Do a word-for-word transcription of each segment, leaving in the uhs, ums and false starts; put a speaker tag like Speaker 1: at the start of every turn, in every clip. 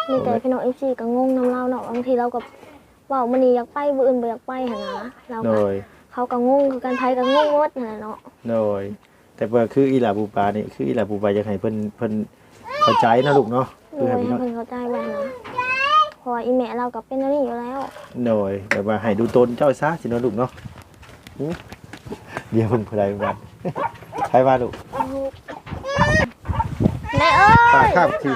Speaker 1: มีแต่พี่น้องเอฟซีก็งงน้ำเล่าเนาะบางทีเราก็ว่ามื้อนี้อยากไปมื้ออื่นบ่อยากไปหั่นนะเราก็เขาก็งงคือกันไผก็งงหมดนั่นแหละเนาะ
Speaker 2: โดยแต่ว่าคืออีหลาปูปลานี่คืออีหลาปูปลาอยากให้เพิ่นเพิ่นเข้าใจนะลูกเนาะ
Speaker 1: คือให้เพิ่นเข้าใจไว้นะเพราะอีแม่เราก็เป็นอันนี้อยู่แล้ว
Speaker 2: โดยแต่ว่าให้ดูตนเจ้าซะสิเนาะลูกเนาะเดี๋ยวเพิ่นผู้ใดบ้านใครว่าลูก
Speaker 1: แม่เอ้ย
Speaker 2: ครับที่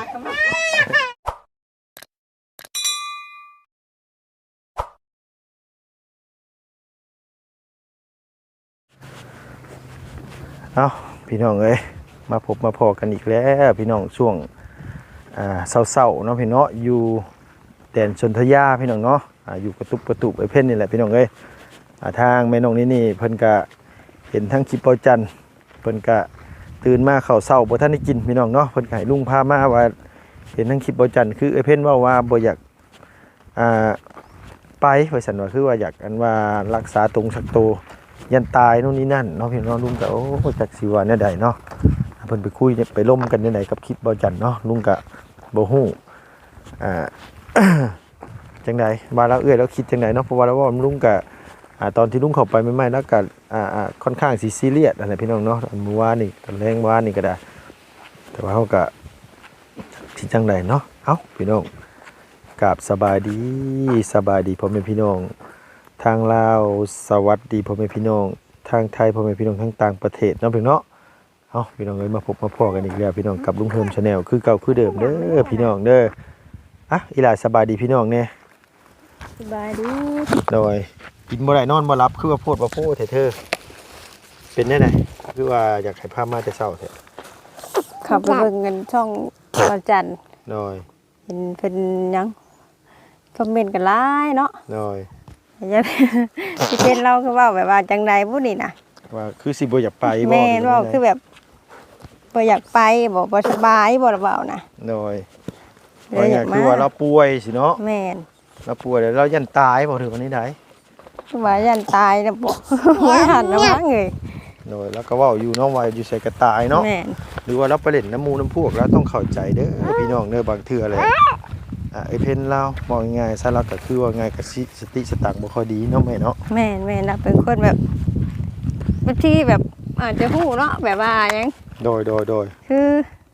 Speaker 2: เอาพี่น้องเอ้ยมาพบมาพอกันอีกแล้วพี่น้องช่วงอ่าเศร้าๆเนาะพี่เนาะอยู่แดนชนทยาพี่น้องเนาะอ่าอยู่กระตุบกระตุบไอ้เพ่นนี่แหละพี่น้องเอ้ยอ่าทางแม่น้องนี่นี่เพิ่นก็เห็นทั้งคลิปเปาจันเพิ่นก็ตื่นมาเข้าเศร้าบ่ทันได้กินพี่น้องเนาะเพิ่นก็ให้ลุงพามาว่าเห็นทั้งคลิปเปาจันคือไอ้เพ่นว่าว่าบ่อยากอ่าไปว่าซั่นว่าคือว่าอยากอันว่ารักษาตรงสักโตยันตายโน่นนี่นั่นเนาะพี่น้องลุงก็โอ้จักสิว่าแนวใดเนาะเพิ่นไปคุยไปล่มกันในไหนกับคลิปเบาจันเนาะลุงก็บ่ฮู้อ่า จังได๋ว่าแล้วเอื้อยแล้วคิดจังได๋เนาะเพราะว่าแล้วว่าลุงก็อ่าตอนที่ลุงเข้าไปใหม่ๆแล้วก็อ่าอ่าค่อนข้างสิซีเรียสอะไรพี่น้องเนาะเมื่อวานนี่ตอนแรงเมื่อวานนี่ก็ได้แต่ว่าเฮาก็สิจังได๋เนาะเอ้าพี่น้องกราบสบายดีสบายดีพ่อแม่พี่น้องทางลาวสวัสดีพ่อแม่พี่น้องทางไทยพ่อแม่พี่น้องทั้งต่างประเทศเนาะพี่เนาะเอาพี่น้องเอ้ยมาพบมาพอกันอีกแล้วพี่น้องกับลุงเฮิมชาแนลคือเก่าคือเดิมเด้อพี่น้องเด้ออ่ะอีหล่าสบายดีพี่น้องเนี่ย
Speaker 1: สบายดี
Speaker 2: โดยกินบ่ได้นอนบ่หลับคือว่าโพดว่าโพดเถอะเป็นได้ไหนคือว่าอยากให้พามาแต่เช้าแท้
Speaker 3: ขับไปเบิ่งเงินช่องเบาจัน
Speaker 2: โดย
Speaker 3: เห็นเพิ่นยังคอมเมนต์กันหลายเนาะ
Speaker 2: โดย
Speaker 3: อย่าสิเป็นเราคือเว้าแบบว่าจังได๋ผู้นี่น่ะ
Speaker 2: ว่าคือสิบ่อยากไปบ่
Speaker 3: แม่นว่าคือแบบบ่อยากไปบ่บ่สบายบ่ล่ะเว้านะ
Speaker 2: โดยว่าไงคือว่าเราป่วยสิเนาะ
Speaker 3: แม่น
Speaker 2: เราป่วยแล้วเรายันตายบ่ถึงวันนี้ได้
Speaker 3: ว่ายันตายนะบ่บ่หันนะว่าเงย
Speaker 2: โดยแล้วก็เว้าอยู่เนาะว่าอยู่ใส่กระตายเนาะ
Speaker 3: แม่น
Speaker 2: หรือว่าเราไปเล่นน้ำมูน้ำพวกแล้วต้องเข้าใจเด้อพี่น้องเด้อบางเทื่อเลยอ่าไอ้เพิ่นเราบอกง่ายๆซะแล้วก็คือว่าง่ายก็สติสตังบ่ค่อยดีเนาะแม่เนาะ
Speaker 3: แม่นแม่นน่ะเป็นคนแบบบางทีแบบอาจจะฮู้เนาะแบบว่าหยัง
Speaker 2: โดยโดยโดย
Speaker 3: คือ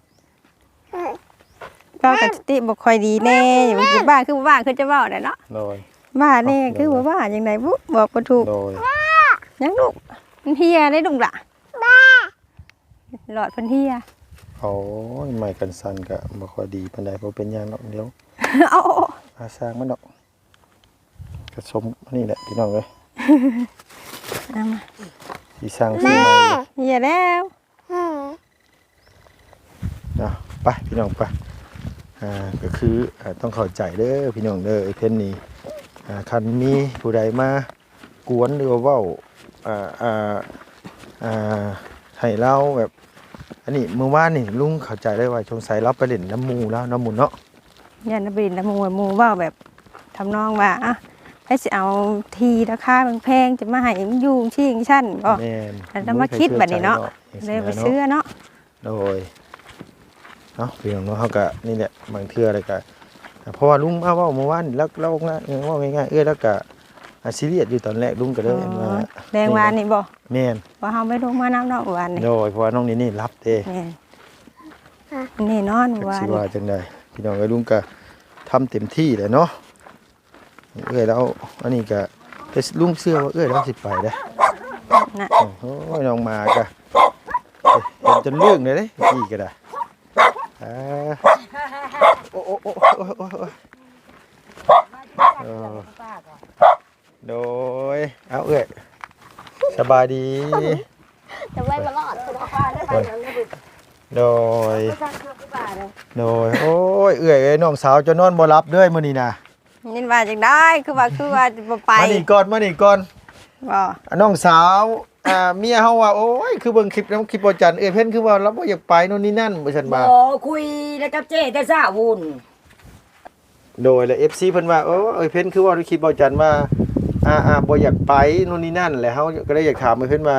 Speaker 3: ก็กสติบ่ค่อยดีแน่อยู่บ้านคือบ้านคือจะเว้าได้เนาะ
Speaker 2: โดย
Speaker 3: บ้านนี่คือว่าบ้านจังได๋บ่บอกบ่ถูก
Speaker 2: โดย
Speaker 3: ยังลูกมันเฮียได้ดุงล่ะบ้าหลอดเพิ่นเฮีย
Speaker 2: โอ้ยไม้กันสั่นก็บ่ค่อยดีปานใดบ่เป็นหยังเนาะเดี๋ยว
Speaker 3: เอา
Speaker 2: อาสร้างมันดอกกระสมนี่แหละพี่น้องเอ้ย
Speaker 3: เอามา
Speaker 2: สิสร้างซื้อใหม่
Speaker 3: เฮียแล้ว
Speaker 2: เนาะไปพี่น้องไปอ่าก็คืออ่าต้องเข้าใจเด้อพี่น้องเด้อไอ้เพิ่นนี่อ่าคันมีผู้ใดมากวนหรือว่าเว้าอ่าอ่าอ่าให้เราแบบอันนี้เมื่อวานนี่ลุงเข้าใจได้ว่าสงสัยเราไปเล่นน้ำมูแล้วน้ำมูเนาะ
Speaker 3: ยันบินน้ำมูมูเว้าแบบทำนองว่าอ่ะให้สิเอาทีราคาแพงๆจะมาให้มันอยู่ชิงชั้นบ่
Speaker 2: แม่น
Speaker 3: แล้วมาคิดแบบนี้เนาะเลยไปซื้อเนาะ
Speaker 2: โดยเนาะพี่น้องเนาะเฮาก็นี่แหละบางเทื่ออะไรก็เพราะว่าลุงมาเว้าเมื่อวานแล้วเราง่ายเว้าง่ายๆเอ้ยแล้วก็ซีเรียสอยู่ตอนแรกลุงก็เลยว่า
Speaker 3: แดงวานนี่บ่
Speaker 2: แม่น
Speaker 3: ว่าเฮาไม่ลงมาน้ำเนาะวานนี่
Speaker 2: โดยเพราะว่าน้องนี่นี่รับเด้
Speaker 3: แม่นนี่นอนวาน
Speaker 2: สิว่าจังได๋พี่น้องเอ้ยลุงก็ทำเต็มที่แหละเนาะเอ้ยแล้วอันนี้ก็แต่ลุงเชื่อว่าเอ้ยเราสิไปเด้
Speaker 3: น่ะ
Speaker 2: โอ้ยน้องมาก็เห็นจนเรื่องเลยเด้พี่ก็ได้อ่าโอ้โอ้โอ้โอ้โอ้โอ้โดยเอาเอ้ยสบายดี
Speaker 1: จะไว้มาลอด
Speaker 2: โดยโดยโอ้ยเอ้ยน้องสาวจะนอนบ่หลับเด้อมื้อนี้น่ะ
Speaker 3: นี่ว่าจังได้คือว่าคือว่าบ่ไป
Speaker 2: มานี่ก่อนมานี่ก่อน
Speaker 3: บ่
Speaker 2: น้องสาวอ่าเมียเฮาว่าโอ้ยคือเบิ่งคลิปนำคลิปบ่จันเอ้ยเพิ่นคือว่าเราบ่อยากไปโน่นนี่นั่นบ่ซั่นบ่า
Speaker 4: บ่คุยแล้วกับเจ้แต่ซ่าวุ่น
Speaker 2: โดยแล้ว เอฟ ซี เพิ่นว่าโอ้เอ้ยเพิ่นคือว่าคลิปบ่จันว่าอ่าๆบ่อยากไปโน่นนี่นั่นแหละเฮาก็เลยอยากถามเพิ่นว่า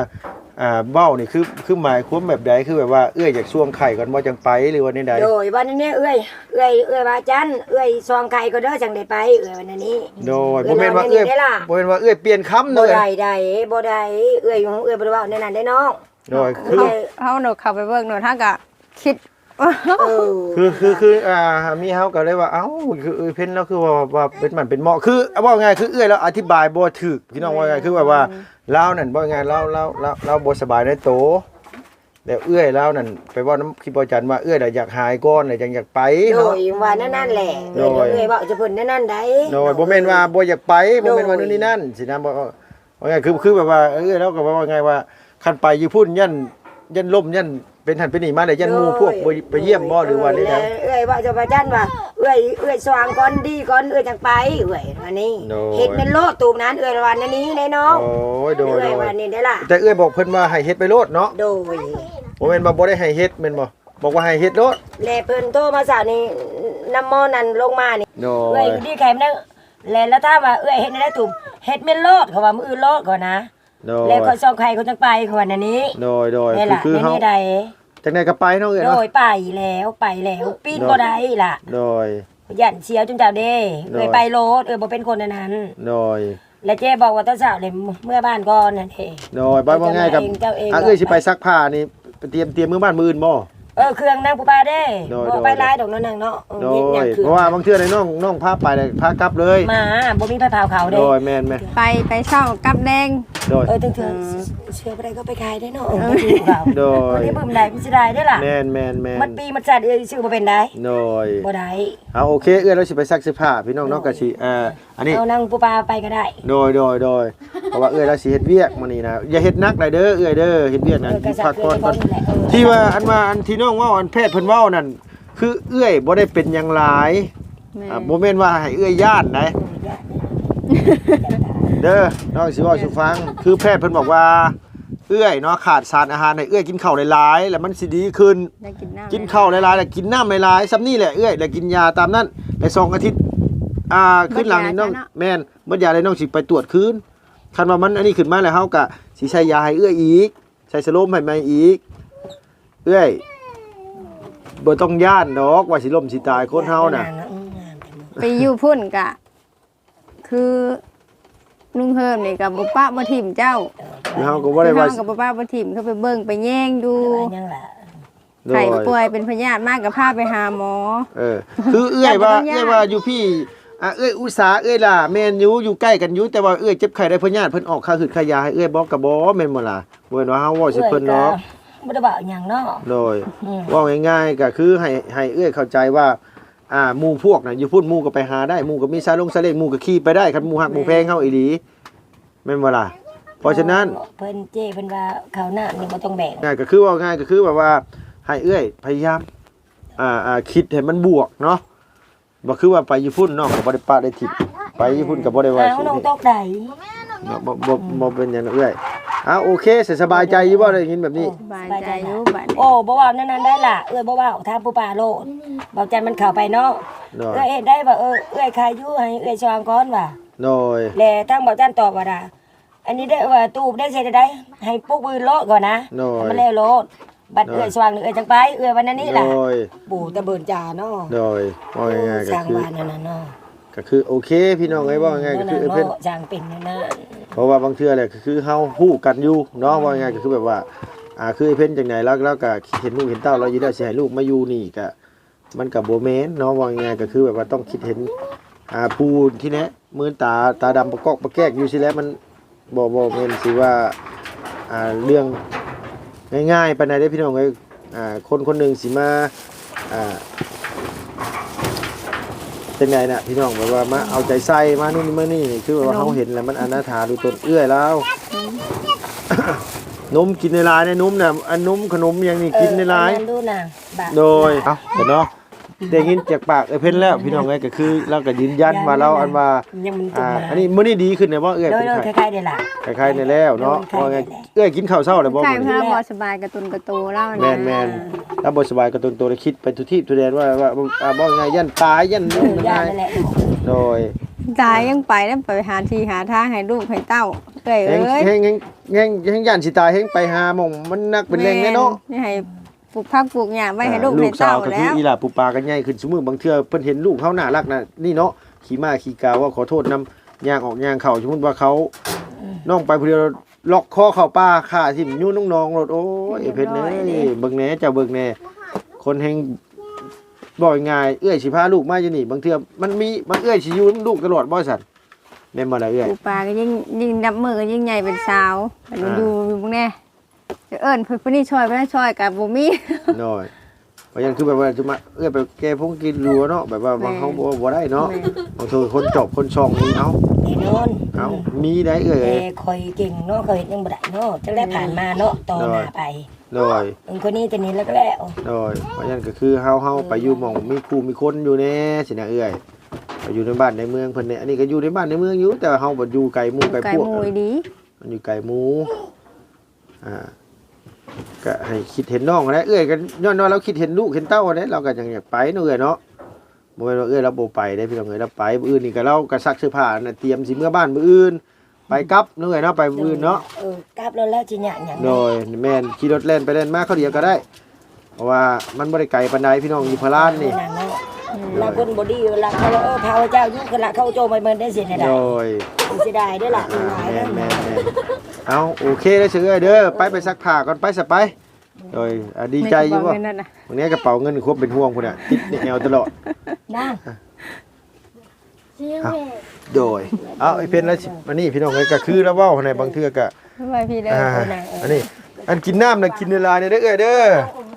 Speaker 2: อ่าเบ้านี่คือคือหมายความแบบใดคือแบบว่าเอื้อยอยากช่วงไข่ก่อนบ่จังไปหรือว่าใด
Speaker 4: โดยวันนี้เอ้ยเอ้ยเอ้ยว่าจันเอ้ยซองไข่ก็เด้อจังได้ไปเอ้ยวันนี้
Speaker 2: โดยบ่แม่นว่าเอื้อยบ่แม่นว่าเอื้อยเปลี่ยนคำ
Speaker 4: บ่
Speaker 2: เด้อ
Speaker 4: ได้ได้บ่ได้เอ้ยของเอ้ยบ่ได้เว้าในนั้นได้น้อง
Speaker 2: โดยคือ
Speaker 3: เฮาเฮาหนูเข้าไปเบิ่งหนูถ้าก็คิด
Speaker 4: เออ
Speaker 2: คือคือคืออ่ามีเฮาก็เลยว่าเอ้าคือเอ้ยเพิ่นแล้วคือว่าว่าเป็นมันเป็นเหมาะคือว่าไงคือเอื้อยแล้วอธิบายบ่ถูกพี่น้องว่าไงคือแบบว่าลาวนั่นบ่ไงลาวลาวลาวลาวบ่สบายในโตแล้วเอื้อยลาวนั่นไปเว้านำคิดบ่จันว่าเอื้อยน่ะอยากหายก่อนน่ะจังอยากไป
Speaker 4: โด
Speaker 2: เนาะ
Speaker 4: ยว่านั่นนั่นแหละ
Speaker 2: โด
Speaker 4: เอ้
Speaker 2: ย
Speaker 4: ยเอ้ยเว้าจะเพิ่นนั่นนั่นได้
Speaker 2: โดยบ่แม่นว่าบ่อยากไปบ่แม่นว่า
Speaker 4: โดย
Speaker 2: นู่นนี่นั่นสินะบ่ว่าไงคือคือแบบว่าเอื้อยแล้วก็ว่าไงว่าคันไปอยู่พุ่นยันยันล่มยันเป็นหันเป็นนี่มาเลยยันหมู่พวกบ่ไปเยี่ยมบ่หรือว่าได้
Speaker 4: เอ้ยเอ้ยเว้าจะว่าจันว่าเอ้ยเอ้ยสว่างก่อนดีก่อนเอ้ยจังไปเอ้ยวันนี้เฮ็ดเป็นโลดตูมนั้นเอ้ยวันนี้ได้น้อง
Speaker 2: โอ้ยโดย
Speaker 4: เอ้
Speaker 2: โด
Speaker 4: ย
Speaker 2: ย
Speaker 4: วันนี้ได้ล่ะ
Speaker 2: แต่เอื้อยบอกเพิ่นว่าให้เฮ็ดไปโลดเนาะ
Speaker 4: โดย
Speaker 2: บ่แม่นว่าบ่ได้ให้เฮ็ดแม่นบ่บอกว่าให้เฮ็ดโลด
Speaker 4: แลเพิ่นโทรมาสาวนี่น้ำมอนั่นลงมานี่
Speaker 2: โด
Speaker 4: เอ้
Speaker 2: ย
Speaker 4: ยดีใครมันได้แลแล้วถ้ามว่าเอ้ยเฮ็ดได้ตุ่มเฮ็ดเป็นโลดเขาว่ามื้ออื่นโลดก่อนนะ
Speaker 2: โดย
Speaker 4: แล้วก็ส่งใครเขาจังไปเขาว่านั่นนี้
Speaker 2: โดยโดย
Speaker 4: นี่
Speaker 2: คือ
Speaker 4: ล่ะ
Speaker 2: คือ
Speaker 4: ใน
Speaker 2: เฮา
Speaker 4: นี้ใด
Speaker 2: จังได๋ก็ไปเนาะเอ้ย
Speaker 4: โด
Speaker 2: เนาะ
Speaker 4: ยไปแล้วไปแล้วปีนบ่ได้ล่ะ
Speaker 2: โดย
Speaker 4: ยันเชียวจุงเจ้าเด้
Speaker 2: โดย
Speaker 4: เอ้ยไปโลดเอ้ยบ่เป็นคนอันนั้น
Speaker 2: โดย
Speaker 4: แล้วเจ๊บอกว่าตอนเช้าเลยเมื่อบ้านก่อนนั่นเอง
Speaker 2: โดยบ่ว่าง่ายกับ
Speaker 4: เจ้าเอง
Speaker 2: อ่ะเอ้ยสิไปซักผ้านี่ไปเตรียมเตรียมมื้อบ้านมื้ออื่นบ่
Speaker 4: เออเครื่องนางปูปลาเด้
Speaker 2: โดย
Speaker 4: บ่
Speaker 2: โดย
Speaker 4: ไปหลายดอกเนาะนางเนาะเออ
Speaker 2: โด
Speaker 4: เฮ็ดหยัง
Speaker 2: ย
Speaker 4: คือ
Speaker 2: เพราะว่าบางเทื่อในน้องน้องพาไปเลยพากลับเลย
Speaker 4: มาบ่มีไผเผาเขา
Speaker 2: โด
Speaker 4: เด้
Speaker 2: ยแม่นแม่น
Speaker 3: ไปไปเช่ากับแดง
Speaker 2: โดย
Speaker 4: เออถึงถึงเชื่อบ่ได้ก็ไปขายได้เนาะเออบ่ถูกเขา
Speaker 2: โดย
Speaker 4: วันนี้บึ้มได้มันสิได้ได้ล่ะ
Speaker 2: แม่นแม่นแม่น
Speaker 4: มันปีมันจัดเอ้ยชื่อบ่เป็นได้
Speaker 2: โดย
Speaker 4: บ่ได้
Speaker 2: เอาโอเคเอื้อเราสิไปซักเสื้อผ้าพี่น้องเนาะก็สิเอ่ออันนี้
Speaker 4: เอานางปูปลาไปก็ได้
Speaker 2: โดยโดยโดยเพราะว่าเอื้อเราสิเฮ็ดเวียกมื้อนี้นะอย่าเฮ็ดหนักหลายเด้อเอื้อเด้อเฮ็ดเวียก
Speaker 4: เอ
Speaker 2: นั่น
Speaker 4: อก็สั
Speaker 2: พั
Speaker 4: ก
Speaker 2: ก
Speaker 4: เพื่
Speaker 2: ผ่
Speaker 4: อ
Speaker 2: อน
Speaker 4: น
Speaker 2: ก่อน
Speaker 4: นั่นแหละเออ
Speaker 2: ที่ว่าอันว่าอันที่น้องเว้าอันแพทย์เพิ่นเว้านั่นคือเอื้อยบ่ได้เป็นหยังหลาย
Speaker 3: แม่
Speaker 2: อ่าบ่แม่นว่าให้เอื้อยย่านนะเด้อน้องสิเว้าสู่ฟังคือแพทย์เพิ่นบอกว่าเอื้อยเนาะขาดสารอาหารให้เอื้อยกินข้าวหลายๆแล้วมันสิดีขึ้น
Speaker 3: ได้กินน้ำ
Speaker 2: กินข้าวหลายๆแล้วกินน้ำหลายๆซ้ำนี่แหละเอื้อยแล้วกินยาตามนั้นในสองอาทิตย์อ่าขึ้นหลังนี่น้องแม่นเมื่อยาเลยน้องสิไปตรวจคืนคันว่ามันอันนี้ขึ้นมาแล้วเฮาก็สิใช้ยาให้เอื้อยอีกใช้สโลมให้ใหม่อีกเอื้อยบ่ต้องย่านดอกว่าสิล้มสิตายคนเฮาน่ะ
Speaker 3: ไปอยู่พุ่นกะ คือลุงเฮิมนี่กับบุป้าบ่ถิ่มเจ้า
Speaker 2: เฮาก็บ่ได้ว่า
Speaker 3: เฮากับบุป้าบ่ถิ่มเขาไปเบิ่งไปแย่งดู
Speaker 4: ยังล่ะ
Speaker 2: โด
Speaker 3: ไข้
Speaker 2: ย
Speaker 3: ป่วยเป็นพยาธิมากกับพาไปหาหมอ
Speaker 2: เออคือเอื้อยว่า
Speaker 3: อย่าบ่ต้องย่าน
Speaker 2: เอื้อยว่าอยู่พี่อ่ะเอื้อยอุตสาห์เอื้อยล่ะแม่นอยู่อยู่ใกล้กันอยู่แต่ว่าเอื้อยเจ็บไข้ได้เพิ่นญาติเพิ่นออกค่าหืดค่ายาให้เอื้อยบ่ก็บ่แม่นบ่ล่ะบ่แม่นว่าเฮาเว้าสิเพิ่นเนาะ
Speaker 4: บ่ได้บอกหยังเนาะ
Speaker 2: โดย
Speaker 4: อืม
Speaker 2: ว่าง่ายๆก็คือให้ให้เอื้อยเข้าใจว่าอ่าหมู่พวกน่ะอยู่พุ่นหมู่ก็ไปหาได้หมู่ก็มีซาลงซาเล้งหมู่ก็ขี่ไปได้คันหมู่ฮักหมู่แพงเฮาอีหลีแม่นบ่ล่ะเพราะฉะนั้น
Speaker 4: เพิ่นเจ้เพิ่นว่าข้าวหน้านี่บ่ต้องแบ่ง
Speaker 2: ง่ายก็คือว่าง่ายก็คือแบบว่าให้เอื้อยพยายามอ่าอ่าคิดให้มันบวกเนาะบ่คือว่าไปอยู่พุ่นน้องก็บ่ได้ปะได้ทิศไปอยู่พุ่นก็บ่ได้ว่า
Speaker 4: อ้าวน้องตกได้
Speaker 2: บ่บ่บ่เป็นหยังนะเอื้อยอ้าโอเคสบายใจอยู่บ่ได้ยินแบบนี้
Speaker 3: สบายใจอยู่บัดนี้
Speaker 4: โอ้บ่ว่านั่นนั่นได้ล่ะเอ้ยบ่ว่าทางผู้ป่าโลดบอกจันมันเข้าไปเนาะ
Speaker 2: โดย
Speaker 4: เอ้ยเฮ็ดได้ว่าเออเอ้ยขายอยู่ให้เอ้ยสว่างก่อนว่า
Speaker 2: โดย
Speaker 4: แลทางบอกจันตอบว่าดาอันนี้ได้ว่าตู้ได้เสร็จได้ให้ปุ๊กมือโลดก่อนนะ
Speaker 2: โดย
Speaker 4: มันแล้วโลดบัดเอ้ยสว่างนี่เอ้ยจังไปเอ้ยวันนั้นนี่
Speaker 2: โด
Speaker 4: ล่ะ
Speaker 2: ย
Speaker 4: ปู่ตะเบินจ่าเนาะ
Speaker 2: โดยว่าง่ายๆก็
Speaker 4: สร้าง
Speaker 2: คือ
Speaker 4: บ้านนั่นน่ะเนาะ
Speaker 2: ก็คือโอเคพี่น้องเอ้ยว่าง่ายๆก็คือเอ้ยเพิ่น
Speaker 4: สร้างเป็นนั่นน่ะ
Speaker 2: เพราะว่าบางเทื่อแหละคือเฮาฮู้กันอยู่เนาะว่าง่ายๆก็คือแบบว่าอ่าคือไอ้เพิ่นจังไดแล้วแล้วก็เห็นลูกเห็นเต้าเราอยู่แล้วสิให้ลูกมาอยู่นี่ก็มันก็บ่แม่นเนาะว่าง่ายๆก็คือแบบว่าต้องคิดเห็นอ่าผู้ที่แนะมือตาตาดำประกอกประแกกอยู่สิแล้วมันบ่บ่แม่นสิว่าอ่าเรื่องง่ายๆปานใดเด้อพี่น้องเอ้ยอ่าคนคนหนึงสิมาอ่าจังไดน่ะพี่น้องแบบว่ามาเอาใจใส่มานู่นนี่มานี่คือแบบว่าเฮาเห็นแล้วมันอนาถาดูตนเอื้อยแล้ว นมกินในร้านเนี่ยนมน่ะอันนมขนมอย่างนี้กินในร้าน
Speaker 4: เอออัดูน่ะบาท
Speaker 2: โดยเอ้าเห็นเนาะได้ยินจากปากไอ้เพิ่นแล้วพี่น้องเอ้ยก็คือเราก็ยืนยันว่าเราอันว่า
Speaker 4: ยังมันตุ่
Speaker 2: อ่าม
Speaker 4: มา
Speaker 2: อันนี้มื้อนี้ดีขึ้นเนี่ยบ่เอ้ย
Speaker 4: โด
Speaker 2: เป็
Speaker 4: ย
Speaker 2: น
Speaker 4: โดย
Speaker 2: ไข้
Speaker 4: คล้ายๆเด้ล่ะ
Speaker 2: คล้ายๆในแล้วเนาะ
Speaker 4: คล้ายๆ
Speaker 2: ว่าไง
Speaker 4: ได้
Speaker 2: เอ้ยกินข้าวเช้าแล้วบ่
Speaker 3: ใช่
Speaker 2: มื้อ
Speaker 3: เพื่
Speaker 2: นี้
Speaker 3: อบ่สบายกระตุนกระตูเล่านะ
Speaker 2: แม่นแม่นแล้วบ่สบายก็ตนตัวได้คิดไปทุกที่ทุกแดนว่าว่าอ่าบ่ไงยันตายยัน
Speaker 4: เอ
Speaker 2: นู่น
Speaker 4: อย่า
Speaker 2: นั่น
Speaker 4: นั่นแหละ
Speaker 2: โดย
Speaker 3: ตายยังไปแล้วไปหาที่หาทางให้ลูกให้เต้าเอ้ย
Speaker 2: แฮง
Speaker 3: เอ้ย
Speaker 2: แฮงแฮงแฮงแฮงย่านสิตายแฮงไปหาหม่องมันนักเป็นแรงแน่เนาะ
Speaker 3: แม่ให้ปลูกผักปลูกหญ้าไว้ให้ลูก
Speaker 2: ลู
Speaker 3: ให้
Speaker 2: กสา
Speaker 3: เต้าว
Speaker 2: ก็คื
Speaker 3: แล้
Speaker 2: อ
Speaker 3: ว
Speaker 2: อีหล่าปูปลากันใหญ่ขึ้นซุมื้อบางเทื่อเพิ่นเห็นลูกเขาน่ารักน่ะนี่เนาะขี่ม้าขี่กาว่าขอโทษนำย่างออกย่างเข้าสมมุติว่าเขาน้องไปผู้เดียวล็อกคอเข้าป่าฆ่าทิ่มยู่น้องๆรถโอ้ยไอ้เพิ่นเอ้ยเบิ่งแหน่เจ้าเบิ่งแหน่คนแฮงบ่ง่ายเอื้อยสิพาลูกมาอยู่นี่บางเทื่อมันมีมันเอื้อยสิอยู่นำลูกตลอดบ่ซั่นแม่นบ่ล่ะเอื้อย
Speaker 3: ปลูกปลาก็ยิ่งยิ่งนับมือก็ยิ่งใหญ่เป็นสาวมันอยู่อยู่พวกแน่จะเอิ้นเพิ่นผู้นี้ช่วยบ่ได้ช่วยก็บ่มี
Speaker 2: น้อยเพราะฉะนั้นคือแบบว่าจะมาเอื้อยไปแก้พงกินรัวเนาะแบบว่าบางเขาบ่บ่ได้เนาะบางทีคนจบคนช่องนี่เอ้า
Speaker 4: แน่นอน
Speaker 2: เอ้ามีได้เอื้อย
Speaker 4: แต่คอยเก่งเนาะเขาเฮ็ดยังบ่ได้เนาะจังได้ผ่านมาเนาะต่อหน้าไป
Speaker 2: น้อย
Speaker 4: เอิ้นคนนี้ตัวนี้แล้วก็แล้ว
Speaker 2: น้อยเพราะฉะนั้นก็คือเฮาเฮาไปอยู่หม่องมีครูมีคนอยู่แน่สินะเอื้อยไปอยู่ในบ้านในเมืองเพิ่นเนี่ยอันนี้ก็อยู่ในบ้านในเมืองอยู่แต่ว่าเฮาบ่อยู่ไกลหมู่ไกล
Speaker 3: ไก่
Speaker 2: พวก
Speaker 3: หมูดี
Speaker 2: มันอยู่ไกลหมู่อ่าก็ให้คิดเห็นน้องนะเอื้อยกันย้อนว่าเราคิดเห็นลูกเห็นเต้าเด้เราก็จังอยากไปเนาะเอื้อยเนาะบ่แม่นว่าเอื้อยเราบ่ไปได้พี่น้องเอ้ยเราไปมื้ออื่นนี่ก็เราก็ซักเสื้อผ้าน่ะเตรียมสิเมื่อบ้านมื้ออื่นไปกลับเนาะเอื้อยเนาะไปมื้ออื่นเนาะ
Speaker 4: เออกลับแล้วแล้วสิหยังหยัง
Speaker 2: โดยแม่นขี่รถเล่นไปเล่นมาเขาเดียวก็ได้ เพราะว่ามันบ่ได้ไกลปานใดพี่น้องอยู่พารานนี่
Speaker 4: นั่นเนาะลาคนบ่ดีลาเขาเออพาเจ้าอยู่คือละเขาโจมไปเบิ่นได้สิได้
Speaker 2: โดย
Speaker 4: สิได้เด้อล่ะหลาย
Speaker 2: แม่
Speaker 4: เด้อน
Speaker 2: แม่นแม่นเอาโอเคเลยเสือเด้อไปไปซักผ้าก่อนไปซะไปโดยอ่ะดีใจอยู่บ่
Speaker 3: ในกระเป๋าเงินนั่นน่ะ
Speaker 2: วันนี้กระเป๋าเงินครบเป็นห่วงพุ่นน่ะติดในแอวตลอด
Speaker 4: นะ
Speaker 2: เอาโดยเอาไอ้เพิ่นแล้วสิอันนี้พี่น้องเอ้ยก็คือแล้วเว้าในบางเทื่อก็
Speaker 3: ทำไมพี่ได้
Speaker 2: อ่าอันนี้อันกินน้ำน่ะกินเวลาเนี่ยเด้อเอ้ยเด้อ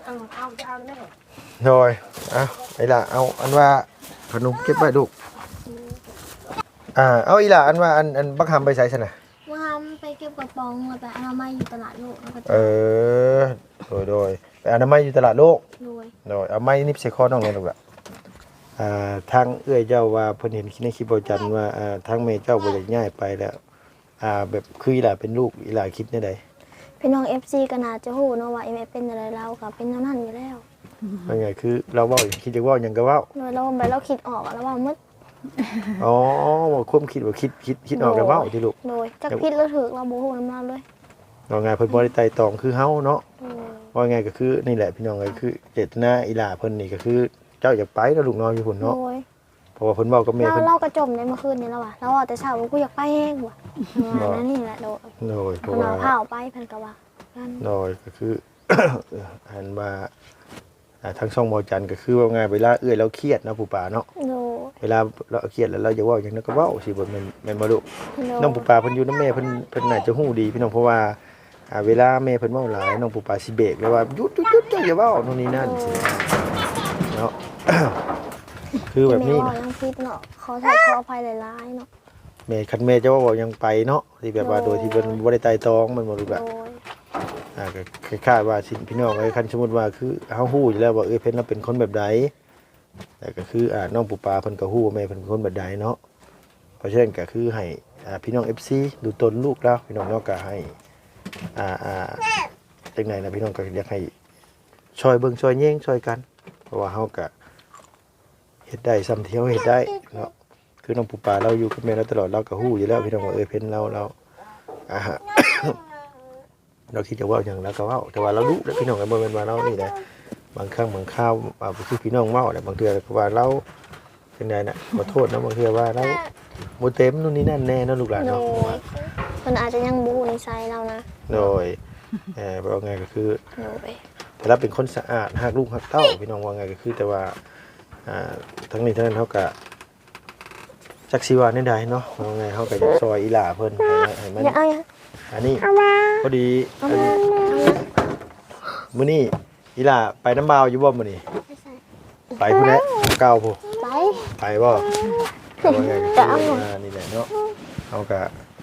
Speaker 2: โดยเอาไอ้ล่ะเอาอันว่าขนมเก็บไว้ลูกอ่าเอาอีล่ะอันว่าอันอันบักหำไปใส่ซั่นน่ะ
Speaker 1: ว่าทำไปเก็บกระป๋องแล้วไปอนามัยอยู่ตลาดโลกแล้วก็
Speaker 2: เออโดยโดยไปอนามัยอยู่ตลาดโลก
Speaker 1: รวย
Speaker 2: โดยเอาไม้นิบใส่คอน้องเลยลูกละอ่าทางเอื้อยเจ้าว่าเพิ่นเห็นในคลิปบ่จันว่าอ่าทางแม่เจ้าบ่อยากย้ายไปแล้วอ่าแบบคืออีหล่าเป็นลูกอีหล่าคิดแนวใด
Speaker 1: พี่น้อง เอฟ ซี ก็น่าจะฮู้เนาะว่าเอ็มเป็นอะไรเราก็เป็นเท่านั้นอยู่แล้ว
Speaker 2: ว่าไงคือเราเว้าคิดจะเว้าหยังก็เว้า
Speaker 1: โดยเราไปเราคิดออกอะแล้วว่ามึด
Speaker 2: อ๋อว่าความคิดว่าคิดคิดคิดออกแล้วเว้าที่ลูก
Speaker 1: โดยจักผิดหรือถูกเราบ่ฮู้นำเราเลย
Speaker 2: ว่าไงเพิ่นบ่ได้ไต่ตองคือเฮาเนาะ
Speaker 1: โดย
Speaker 2: ว่าไงก็คือนี่แหละพี่น้องก็คือเจตนาอีหล่าเพิ่นนี่ก็คือเจ้าอยากไปเนาะลูกน้อยอยู่พุ่น
Speaker 1: โด
Speaker 2: เนาะ
Speaker 1: ย
Speaker 2: เพราะว่าเพิ่นเว้ากับแม่
Speaker 1: เรา
Speaker 2: เพิ่น
Speaker 1: เราก็จมในเมื่อคืนนี้แล้วว่ะเราว่าแต่เช้าว่ากูอยากไปเองว่ะว่านั่นนี่แหละโดย
Speaker 2: โดยเพ
Speaker 1: เพิ่
Speaker 2: ราะ
Speaker 1: น
Speaker 2: ว่า
Speaker 1: เอาผ้าออกไปเพิ่นก็ว่านั่น
Speaker 2: โดยก็คือ อันว่าอ่าทั้งช่องบอจันก็คือว่าไงเวลาเอื้อยเราเครียดนะปู่ป่าเนาะ
Speaker 1: โดย
Speaker 2: เวลาเราเครียดแล้วเราจะเว่าอย่างนั้นก็เว่าสิบ่แม่นแม่นบ่ลูก
Speaker 1: โดย
Speaker 2: น้องปู่ป่าเพิ่นอยู่นำแม่เพิ่นเพิ่นน่าจะฮู้ดีพี่น้องเพราะว่าอ่าเวลาแม่เพิ่นเว้าหลายน้องปู่ป่าสิเบรกแล้วว่าหยุดหยุดๆๆเจ้าอย่าเว้าโน่นนี่นั่นสิเนาะ คือแบบนี้
Speaker 1: แม่ว่า
Speaker 2: นะ
Speaker 1: ยังผิดเนาะขอโทษขออภัยหลายๆเนาะ
Speaker 2: แม่คันแม่จะเว่าเว้ายังไปเนาะที่แบบว่าโดยที่เพิ่นบ่ได้ไตร่ตรองมันบ่ลูก
Speaker 1: โด
Speaker 2: อะ
Speaker 1: ย
Speaker 2: อ่าก็คล้ายๆว่าสิพี่น้องเอ้ยคันสมมุติว่าคือเฮาฮู้อยู่แล้วว่าเอ้ยเพิ่นน่ะเป็นคนแบบใดแต่ก็คืออ่าน้องปู่ปาเพิ่นก็ฮู้ว่าแม่เพิ่นเป็นคนแบบใดเนาะเพราะฉะนั้นก็คือให้อ่าพี่น้อง เอฟ ซี ดูตนลูกแล้วพี่น้องเนาะก็ให้อ่าอ่าจังได๋นะพี่น้องก็อยากให้ช่วยเบิ่งช่วยแย่งช่วยกัน เพราะว่าเฮาก็เฮ็ดได้ซ้ำที่เฮาเฮ็ดได้เนาะคือน้องปู่ปาเราอยู่กับแม่เราตลอดเราก็ฮู้อยู่แล้วพี่น้องว่าเอ้ยเพิ่นเราเราอ่า เราคิดจะเว่าอย่างแล้วก็เว่าแต่ว่าเรารู้แล้วพี่น้องกันบ่แม่นว่าเรานี่แหละบางครั้งบางคราวอ่าบ่คือพี่น้องเว้าแหละบางเทื่อก็ว่าเราเป็นไงน่ะขอโทษนะบางเทื่อว่าเราบ่เต็มนู่นนี่นั่นแน่เนาะลูกหลาน
Speaker 1: โด
Speaker 2: เนาะ
Speaker 1: ยเพิ่นอาจจะยังบ่ฮู้นิสัยเรานะ
Speaker 2: โดยเอ่อว่าไงก็คือ
Speaker 1: โดย
Speaker 2: แต่เราเป็นคนสะอาดฮักลูกฮักเต้าพี่น้องว่าไงก็คือแต่ว่าอ่าทั้งนี้ทั้งนั้นเฮาก็จักสิว่าแนวใดเนาะว่าไงเฮาก็อยากซอยอีหล่าเพิ่นให้ให้มัน
Speaker 1: อย่าเอาอย่า
Speaker 2: อันนี้พอดีอันนี้มื้อนี้อีหล่าไปน้ำบาวอยู่บ่มื้อนี้
Speaker 1: ไม่ใส่
Speaker 2: ไปพุ่นแหละเก่าพุ่น
Speaker 1: ไป
Speaker 2: ไปบ่เอาว่าไงก็
Speaker 1: จะเอา
Speaker 2: คืออ่านี่แหละเนาะเอากะ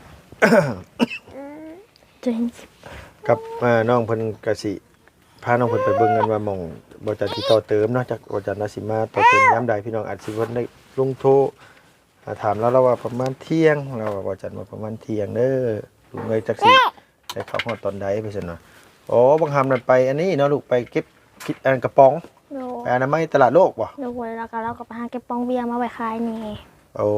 Speaker 1: จริง
Speaker 2: กับอ่าน้องเพิ่นก็สิพาน้องเพิ่นไปเบิ่งกันว่าหม่องบ่จันสิต่อเติมเนาะจากบ่จันน่ะสิมาต่อเติมยามใดพี่น้องอาจสิเพิ่นได้ลงโทรอ่าถามแล้วเราว่าประมาณเที่ยงเราว่าบ่จันว่าประมาณเที่ยงเด้อลุงเอ้ยจักสิได้เข้าฮอดตอนใดไปซั่นเนาะอ๋อบางหำนั่นไปอันนี้เนาะลูกไปเก็บคิดอันกระป๋อง
Speaker 1: โด
Speaker 2: ไปอนามัยตลาดโลกบ่
Speaker 1: โดยแล้วก็เราก็ไปหาเก็บปองเบียร์มาไว้ขายนี่
Speaker 2: โอ้